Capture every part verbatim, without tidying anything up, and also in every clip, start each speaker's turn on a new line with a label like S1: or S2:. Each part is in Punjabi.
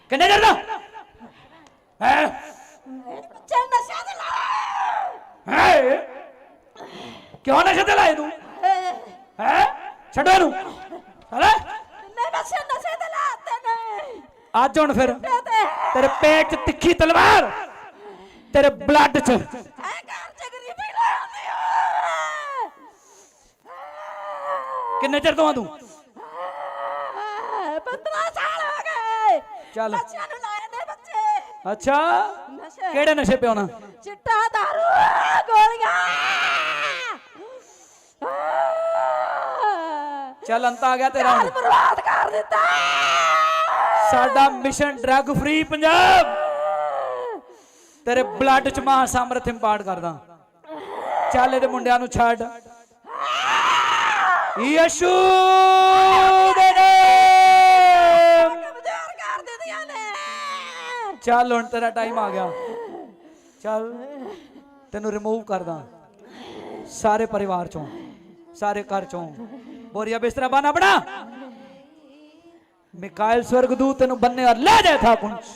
S1: ਕਿੰਨੇ ਚਿਰ ਦਾ ਹੈ
S2: ਚੱਲ ਨਸ਼ਾ ਤੇ ਲਾ
S1: ਹੈ ਕਿਉਂ ਨਸ਼ੇ ਤੇ ਲਾਏ ਤੂੰ ਹੈ ਛੱਡੋ ਇਹਨੂੰ ਹਲੇ
S2: ਨਹੀਂ ਨਸ਼ੇ ਨਸ਼ੇ ਤੇ ਲਾਤੇ ਨੇ
S1: ਅੱਜ ਹੁਣ ਫਿਰ ਤੇਰੇ ਪੇਟ 'ਚ ਤਿੱਖੀ ਤਲਵਾਰ ਤੇਰੇ ਬਲੱਡ 'ਚ
S2: ਐ ਘਰ ਚ ਗਰੀਬੀ ਲੈ ਆਉਂਦੀ ਆ
S1: ਕਿੰਨੇ ਚਿਰ ਤੋਂ ਆ ਤੂੰ
S2: ਪੰਦਰਾਂ ਸਾਲ ਹੋ ਗਏ
S1: ਚੱਲ
S2: ਨਸ਼ਿਆਂ ਨੂੰ ਲਾਏ ਨੇ ਬੱਚੇ
S1: ਅੱਛਾ
S2: ਨਸ਼ੇ
S1: ਕਿਹੜੇ ਨਸ਼ੇ ਪਿਉਣਾ
S2: ਚਿੱਟਾ ਦਾਰੂ ਗੋਲੀਆਂ
S1: ਚੱਲ ਅੰਤ ਆ ਗਿਆ ਤੇਰਾ ਹੁਣ
S2: ਬਰਬਾਦ ਕਰ ਦਿੱਤਾ
S1: ਸਾਡਾ ਮਿਸ਼ਨ ਡਰੱਗ ਫ੍ਰੀ ਪੰਜਾਬ ਤੇਰੇ ਬਲੱਡ 'ਚ ਮਹਾ ਸਮਰਥ ਇੰਪਾਰਟ ਕਰਦਾ ਚੱਲ ਇਹਦੇ ਮੁੰਡਿਆਂ ਨੂੰ ਛੱਡ ਯਿਸੂ ਦੇ ਨਾਮ
S2: ਕਮਜ਼ੋਰ ਕਰ ਦਿੱਤੀਆਂ ਨੇ
S1: ਚੱਲ ਹੁਣ ਤੇਰਾ ਟਾਈਮ ਆ ਗਿਆ ਚੱਲ ਤੈਨੂੰ ਰਿਮੂਵ ਕਰਦਾ ਸਾਰੇ ਪਰਿਵਾਰ ਚੋਂ ਸਾਰੇ ਘਰ ਚੋਂ बोरिया बिस्तरा बना बना मिकाइल स्वर्गदूत तेन बनने और ले जाए था कुछ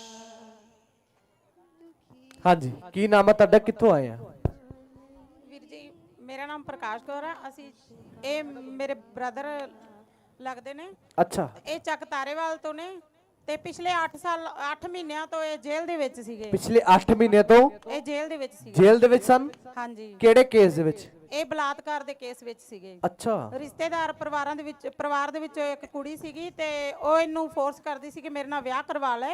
S3: हाँ जी की नाम है ਤੁਹਾਡਾ ਕਿੱਥੋਂ ਆਏ ਆ
S4: ਵੀਰ ਜੀ ਮੇਰਾ ਨਾਮ ਪ੍ਰਕਾਸ਼ ਕੌਰ ਆ ਅਸੀਂ ਇਹ ਮੇਰੇ ਬ੍ਰਦਰ ਲੱਗਦੇ ਨੇ
S3: ਅੱਛਾ
S4: ਇਹ ਚੱਕ ਤਾਰੇਵਾਲ ਤੋਂ ਨੇ ਤੇ ਪਿਛਲੇ ਅੱਠ ਸਾਲ ਅੱਠ ਮਹੀਨਿਆਂ ਤੋਂ ਇਹ ਜੇਲ੍ਹ ਦੇ ਵਿੱਚ ਸੀਗੇ
S3: ਪਿਛਲੇ ਅੱਠ ਮਹੀਨੇ ਤੋਂ
S4: ਇਹ ਜੇਲ੍ਹ ਦੇ ਵਿੱਚ ਸੀਗੇ
S3: ਜੇਲ੍ਹ ਦੇ ਵਿੱਚ ਸਨ
S4: ਹਾਂਜੀ
S3: ਕਿਹੜੇ ਕੇਸ ਦੇ ਵਿੱਚ
S4: ਇਹ ਬਲਾਤਕਾਰ ਦੇ ਕੇਸ ਵਿੱਚ ਸੀਗੇ
S3: ਅੱਛਾ
S4: ਰਿਸ਼ਤੇਦਾਰ ਪਰਿਵਾਰਾਂ ਦੇ ਵਿੱਚ ਪਰਿਵਾਰ ਦੇ ਵਿੱਚੋਂ ਇੱਕ ਕੁੜੀ ਸੀਗੀ ਤੇ ਉਹ ਇਹਨੂੰ ਫੋਰਸ ਕਰਦੀ ਸੀ ਕਿ ਮੇਰੇ ਨਾਲ ਵਿਆਹ ਕਰਵਾ ਲੈ